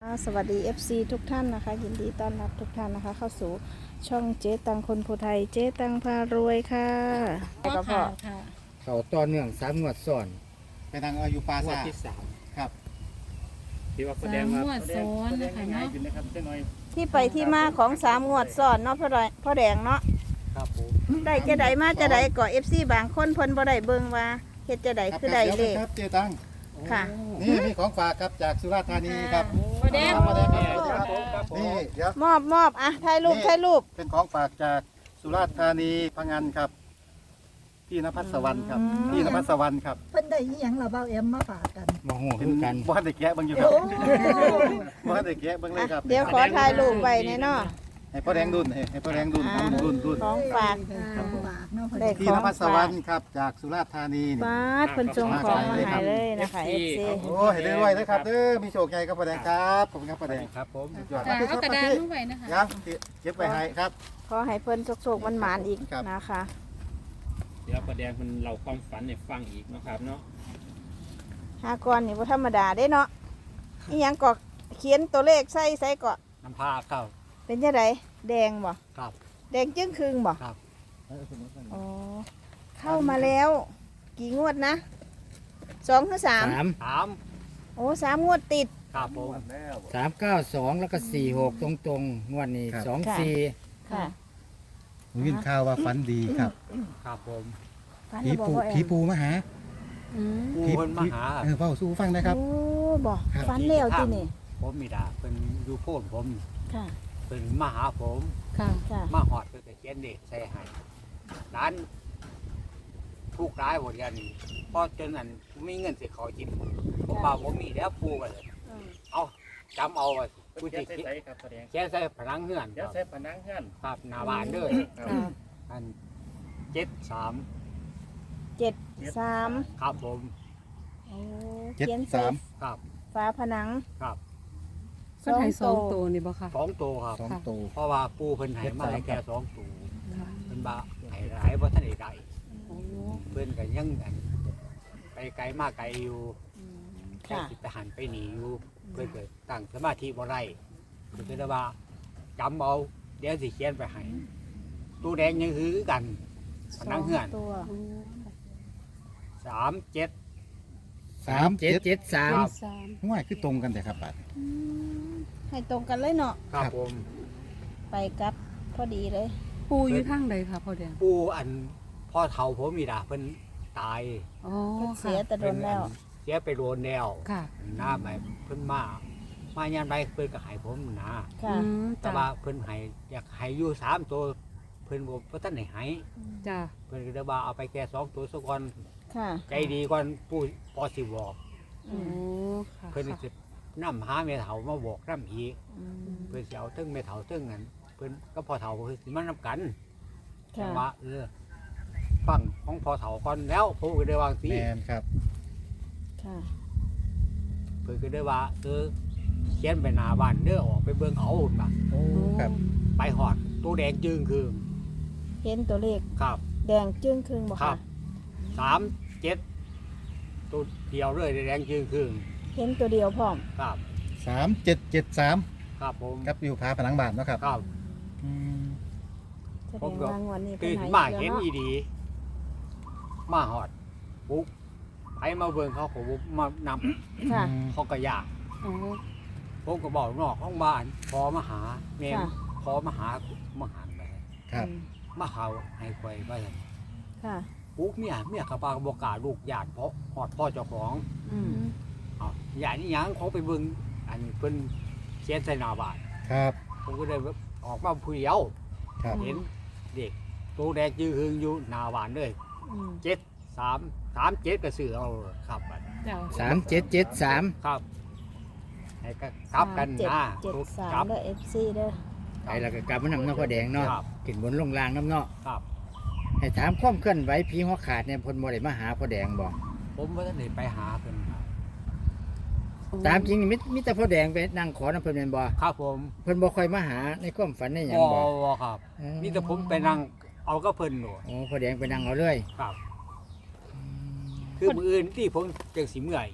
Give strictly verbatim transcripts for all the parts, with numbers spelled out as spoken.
ค่ะสวัสดี เอฟ ซี ทุกท่านนะคะยินดีต้อนรับทุกท่านนะคะ เข้าสู่ช่องเจ๊ตังคนภูไทยเจ๊ตังพารวยค่ะก็ก็พอค่ะเขาต่อเนื่องสามงวดซ้อนไปทางอายุปลางวดซาที่สามครับที่ว่าแสสาดงมว่างวดซ้อนแสดนะงคะง่ายเนาะๆขึ้นนะครับเจ้าน้อยที่ไปที่มาของสามงวดซ้อนเนาะพ่อแดงพ่อแดงเนาะครับผมได้จะได้มาจะได้ก่อ เอฟ ซี บางคนเพิ่นบ่ได้เบิ่งว่าเฮ็ดจะได้ครับคือได้เลขครับเจตังค่ะนี่นี่ของฝากครับจากสุราษฎร์ธานีครับพ่อแดงมาได้ครับครับผมนี่เดี๋ยวมอบมอบอ่ะถ่ายรูปถ่ายรูปเป็นของฝากจากสุราษฎร์ธานีพังงานครับพี่นภัสสวรรค์ครับอืมพี่นภัสสวรรค์ครับเพิ่นได้อีหยังล่ะเบ้าแอมมาฝากกันมาหัวเป็คืนอกันบ้านเด็กแกะเบิ่งอยู่ครับโอ้บ้านเด็กแกะเบิ่งเลยครับเดี๋ยวขอถ่ายรูปไว้แน่เนาะให้พ่อแดงดุนให้ให้พ่อแดงดุนครับดุนดุนของฝากของฝากเนาะได้พี่นภัสสวรรค์ครับจากสุราษฎร์ธานีนี่บาดเพิ่นส่งของมาให้เลยนะคะ เอฟ ซีโอ้เห็นด้วยนะครับเด้อมีโชคใหญ่ครับพ่อแดงครับขอบคุณครับพ่อแดงครับผมสุดยอดจ้ะพี่คเอารับกระดาษพี่ลงไว้นะคะครับเก็บไปให้ครับขอให้เพิ่นโชคๆมันหมานอีกครับนะคะเดี๋ยวประเดี๋ยวมันเราความฝันให้ฟังอีกนะครับเนาะหากรนี่บ่ธรรมดาเด้เนาะอีหยังก็เขียนตัวเลขใส่ใส่ก็น้ำผ้าครับเป็นจังไดแดงบ่ครับแดงจึ้งครึ่งบ่ครับอ๋อเข้ามาแล้ว กี่งวดนะสองหรือสามสามสามโอ้สามงวดติดครับผมสามเก้าสองแล้วก็สี่หกตรงตรงๆงวดนี้ครับสองค่ะสี่ค่ะผมยินข่าวว่าฝันดีครับครับผมฟันผีแล้วบอกปูว่าแอผีมปูมาหาอืมปูเพิ่นมาหาเออเฝ้าสู้ฟังนะครับโอ้บ่ครับฟันแล้วตินี่ผมมีดาเป็นอยู่โพนผมค่ะเป็นมาหาผมค่ะค่ะมาหอดเพื่อจะเขียนเด็กใส่ให้ร้านทุกร้ายหมดกันเพราะจนนั้นไม่เงินสิเขากินผมบอกผมมีแล้วปูกันเลยอืมเอาจำเอาไว้ผู้เขีที่ยนใส่ครับพ่อแดงเขียนใส่ผนังเฮือนเดี๋ยวใส่ผนังเฮือนครับหน้าบ้านเด้อค่ะอันเจ็ดสามเจ็ดสามครับผมโอ้เจ็ดเขียนใสามครับฝาผนังครับเพิ่นให้สองตัวนี่บ่ค่ะสองตัวครับสองตัวเพราะว่าปูเพิ่นให้มาให้เจ็ดสามแค่สองตัวค่ะเพิ่นบ่าให้หลายบ่ทันได้ได้โอ้เพิ่นก็ยังอันไปไกลมาไกลอยู่อืมแค่ค่ะสิไปหันไปหนีอยู่เพิ่นก็ตั้งสมาธิบ่ได้เพิ่นก็เลยว่าจำเอาเดี๋ยวสิเขียนไปให้ตู้แดงยังคือกันผนังเฮือนสตัวสามเจ็ดสามเจ็เจ็ดดเจ็ดสามสามง่ายคือตรงกันแต่ครับบัดอืมให้ตรงกันเลยเนาะครับผมไปกลับพอดีเลยปูอยู่ทางใดค่ะพ่อแดงปูอันพ่อเฒ่าผมมีดาเพิ่นตายอ๋อเพิ่นเสียค่ะแต่โดนแล้วเสียไปโดนแล้วค่ะหน้าใหม่เพิ่นมา มายามใดเพิ่นก็ให้ผมนะค่ะอืมแต่จ้ะว่าเพิ่นให้อยากให้อยู่สามตัวเพิ่นบ่บ่ทันได้ให้จ้ะเพิ่นก็เลยว่าเอาไปแค่สองตัวซะก่อนค่ะใจดีก่อนปู่พอสิบอกโอ้ค่ะเพิ่นสินำหาแม่เฒ่ามาบอกนำอีกอืมเพิ่นสิเอาเทิงแม่เฒ่าเทิงนั้นเพิ่นก็พ่อเฒ่าเพิ่นสิมานำกันแต่ค่ะว่าเออฟังของพ่อเฒ่าก่อนแล้วผมก็ได้วางสิแมนครับค่ะเพิ่นก็ได้ว่าเออเขียนไปหน้าบ้านเด้อออกไปเบิ่งเอาพุ่นว่าโอ้ครับไปหอดตัวแดงจึงคือเห็นตัวเลขครับแดงจึ้งครึ่งบ่ครัค่ะบ สามเจ็ดตัวเดียวเลยแดงจึงคือเห็นตัวเดียวพร้อมครับสามเจ็ดเจ็ดสามครับผมครับอยู่ผาผนังบ้านเนาะครับครับอืมแสดผมงก็ว่างวดนี้เป็ตื่นนไหนมาอีกเห็นแล้วอีเนาะดี มาหอดปุ๊บไปมาเบิ่งเขาผมมานำค่ะเขาก็อยากโอ้ผมก็บอกนอกห้องบ้านพอมาหาเมนค่ะพอมาหามาหาไปครับอืมมาเขาให้ควยไปค่ะปุ๊บเมียเมียกระปากบอกกล้าลูกญาติเพราะหอดพ่อเจ้าของอืมเอาญาตินี่ยังเขาไปเบิ่งอันเพิ่นเขียนใส่หน้าบ้านครับผมก็เลยออกมาผู้เดียวครับเห็นเด็กตัวแดงยืนหึงอยู่หน้าบ้านเลยอืมเจ็ดสามสามเจ็ดก็ซื้อเอาครับบัดจ้ะสามเจ็ดเจ็ดสามครับให้ก็กลับกันเจ็ดนะเจ็ดสามกลับเด้อเอฟซีเด้อไปแล้วก็กลับมานำเนาะพ่อแดงเนาะครับขึ้นบนลงล่างน้ำเนาะครับให้ถามความเคลื่อนไหวผีหัวขาดเนี่ยเพนบ่ได้มาหาพ่อแดงบ่ผมว่าท่านได้ไปหาเพิ่นครับตามจริงนี่มิมิแต่พ่อแดงไปนั่งขอน้ำเพิ่นแม่นบ่ครับผมเพิ่นบ่ค่อยมาหาในความฝันในหยังบ่บ่บ่ครับอ๋อมีแต่ผมไปนั่งเอาก็เพิ่นหนูโอ้พ่อแดงไปนั่งเอาเลยครับ คือมืออื่นที่ผมจังสิเมื่อยอีก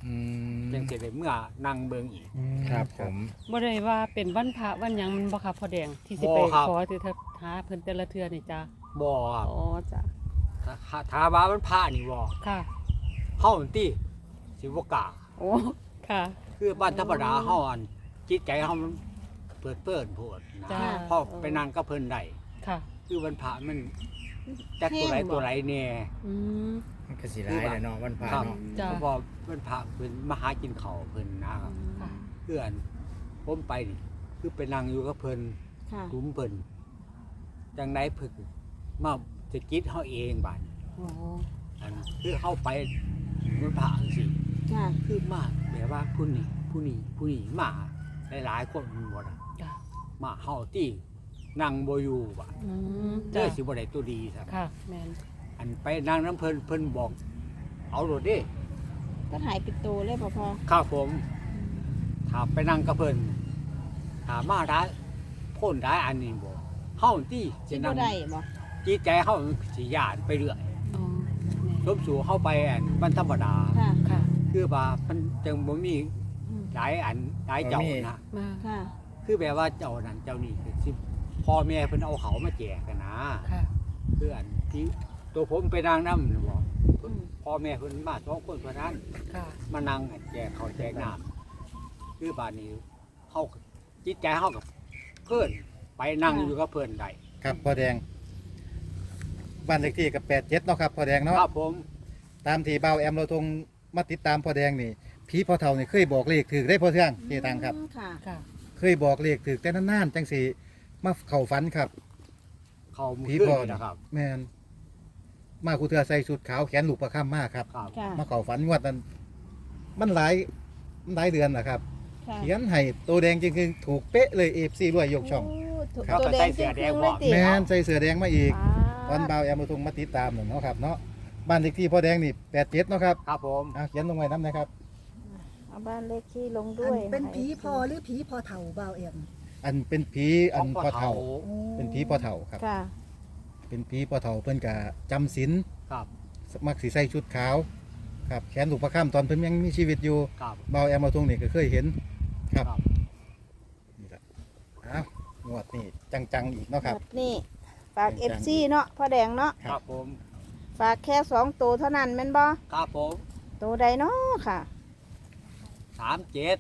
อืมจังสิได้เมื่อนั่งเบิ่งอีกครับผมบ่ได้ว่าเป็นวันพระวันหยังมันบ่ค่ะพ่อแดงที่สิไปบ่ครับขอที่เธอหาเพิ่นแต่ละเทื่อนี่จ้าบ่ครับอ๋อจ้ะถ้าถ้าถ้าว่ามันพระนี่บ่ค่ะเฮาอันติสิบ่กล้าโอ้ค่ะคือบ้านธรรมดาเฮาอันจิตใจเฮามันเปิดเปิ้นโพดนะจ้าพอไปนั่งกับเพิ่นได้ค่ะคือวันพระมันจักตัวไหนตัวไหนแน่อืมมันก็สิหลายแหละเนาะวันพระครับเนาะจ้ะเพราะว่าวันพระเพิ่นมาหากินข้าวเพิ่นนะครับค่ะเพื่อนผมไปนี่คือไปนั่งอยู่กับเพิ่นค่ะกลุ่มเพิ่นจังไดเพิ่นมาสะกิดเฮาเองบาดนี้โอ้อันคือเฮาไปวันพระจังซี่ค่ะคือมาแบบว่าผู้นี้ผู้นี้ผู้นี้มาหลายๆคนหมดอะจ้ะมาเฮาที่นั่งบ่อยู่บาดอืมเด้จ้ะอสิบ่ได้ตัวดีครับค่ะแม่นอันไปนั่งน้ำเพิ่นเพิ่นบอก เอาโลดเด้ก็หายปิดโตเลยบ่พอข้าผมถ้าไปนั่งกับเพิ่นถ้ามาได้พ้นได้อันนี้บ่เฮาที่สิสิบ่นั่งได้บ่จิตใจเฮาสิย่านไปเรื่อยอ๋อแม่สมสู่เฮาไปอันมันธรรมดาค่ะค่ะคือว่ามันจังบ่มีอืมหลายอันหลายเจ้านะมาค่ะคือแบบว่าเจ้านั้นเจ้านี่คือสิพ่อแม่เพิ่นเอาเขามาแจกกันนะค่ะคืออันที่ตัวผมไปนั่งนำน่ะบ่อืมพ่อแม่เพิ่นมาสองคนเท่านั้นค่ะมานั่งแจกเขาวแจกน้ำคือบานนี้เขาจิตใจเขากับเพื่อนไปนั่งอยู่กับเพื่อนได้ครับพ่อแดงบ้านเลขที่กับแปดเจ็ดเนาะครับพ่อแดงเนาะครับผมตามที่เบาแอมเราทงมาติดตามพ่อแดงนี่ผีพ่อเฒ่านี่เคยบอกเลขถือได้พ่อเทืองเจตังครับค่ะค่ะเคยบอกเลขถือแต่นานๆจังสีมาเข่าฝันครับเขามืผีอพ่อขึ้นนี่นะครับแมนมาคูเทือใส่ชุดขาวแขนลูกประค่ำมากครับครับค่ะมาเข่าฝันงวดนั้นมันหลายมันหลายเดือนนะครับค่ะเขียนให้ตัวแดงจริงๆถูกเป๊ะเลยเอฟซีรวยยกช่องโถูกครับตัวแดงก็ใส่เสื้อแดงเลยติแมนใส่เสื้อแดงมาอีก ตอนปาดเบาแอมเราทงมาติดตามหนึ่งเนาะครับเนาะบ้านเลขที่พ่อแดงนี่แปดเจ็ดเนาะครับครับผมอ่ะเขียนลงไว้น้ำนะครับเอาบ้านเลขที่ลงอัด้วยนเป็นผีพอหรือผีพอเฒ่าเบาเอ็มอันเป็นผีอันพ่อเฒ่าโอ้เป็นผีพ่อเฒ่าครับค่ะเป็นผีพ่อเฒ่าเพิ่นกะจำศีลครับมักสีใส่ชุดขาวครับแขนลูกประค่ำตอนเพิ่นยังมีชีวิตอยู่ครับเบาแอมมาตรงนี่ก็เคยเห็นครับครับนี่แหละอ้าวงวดนี่จังๆอีกเนาะครับแบบนี้ฝากจัเองๆฟซีเนาะพ่อแดงเนาะครับครับผมฝากแค่สองตัวเท่านั้นแม่นบ่ครับผมตัวใดเนาะค่ะสามเจ็ด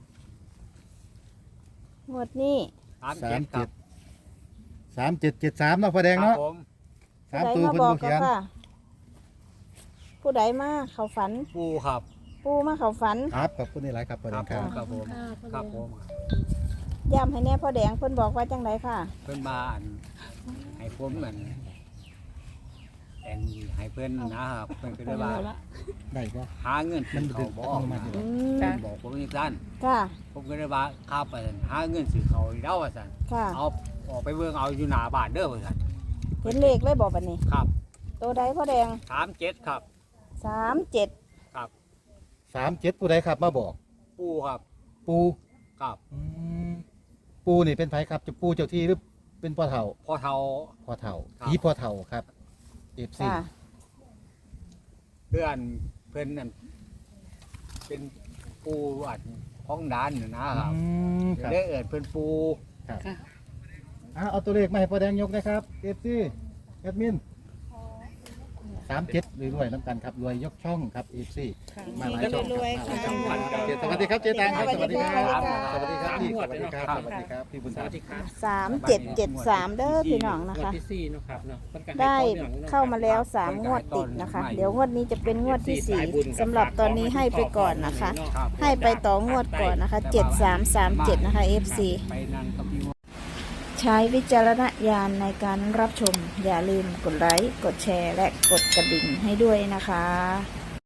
งวดนี้สามสาเจ็มดคเจ็รัดบสามเจ็ดเจ็ดสามเนาะพ่อแดงครับเนาะผมสามผู้ตัวใดเพิ่นมาบอบ่กก็เขียนค่ะ ผู้ใดมาเขาฝันปูครับปูมาเขาฝันครับขอบคุณนี่หลายครับพ่อแดครังบคผรับมครับผมครับผมย้ำให้แน่พ่อแดงเพิ่นบอกว่าจังไดค่ะเพิ่นมาอันให้ผมเหมือนแอนให้เพิ่นนะครับเพิ่นก็ได้ว่าได้ก็หาเงินมันเขาบดึอกงมานะอยู่อืมจ้ะบอกผมอย่างนั้นค่ะผมก็เลยว่าข้าไปสั่นหาเงินซื้อเขาวอีกแล้วว่าสันค่ะเอาออกไปเบิ่งเอาอยู่หน้าบ้านเด้อว่าสันเห็นเลขเลยบอกบัดนี้ครับตัวใดพ่อแดงสามเจ็ดครับสามเจ็ดครับสามเจ็ดผู้ใดครับมาบอกปูครับปูครับอืมปูนี่เป็นไผครับจะปูเจ้าที่หรือเป็นพ่อเฒ่าพอเท่าพ่อเฒ่าครับผีพ่อเฒ่าครับเอฟซีค่ะเพื่อนเพื่อนนั่นเป็นปูอันห้องด้านน่ะนะครับครับได้เอิดเพื่อนปูครับค่ะอ่ะเอาตัวเลขมาให้พ่อแดงยกนะครับเอฟซีแอดมินสามเจ็ดรวยๆน้ำกันครับรวยยกช่องครับเอฟซีค่ะมาหลายช่องรวยครับๆมาหลายช่องค่ะสวัสดีครับเจ๊ตังครับสวัสดีครับสวัสดีครับสวัสดีครับพี่สวัสดีครับสวัสดีครับพี่บุญธรรมสามเจ็ดเจ็ดสามเด้อพี่น้องนะคะที่สี่เนาะครับเนาะเพิ่นก็ให้ได้ต่อเนื่องนะเข้ามาแล้วสามงวดติดนะคะ เดี๋ยวงวดนี้จะเป็นงวดที่สี่สำหรับตอนนี้ให้ไปก่อนนะคะครับให้ไปต่องวดก่อนนะคะเจ็ดสามสามเจ็ดนะคะ เอฟ ซีไปนั่งกับพี่ใช้วิจารณญาณในการรับชม อย่าลืมกดไลค์ กดแชร์ และกดกระดิ่งให้ด้วยนะคะ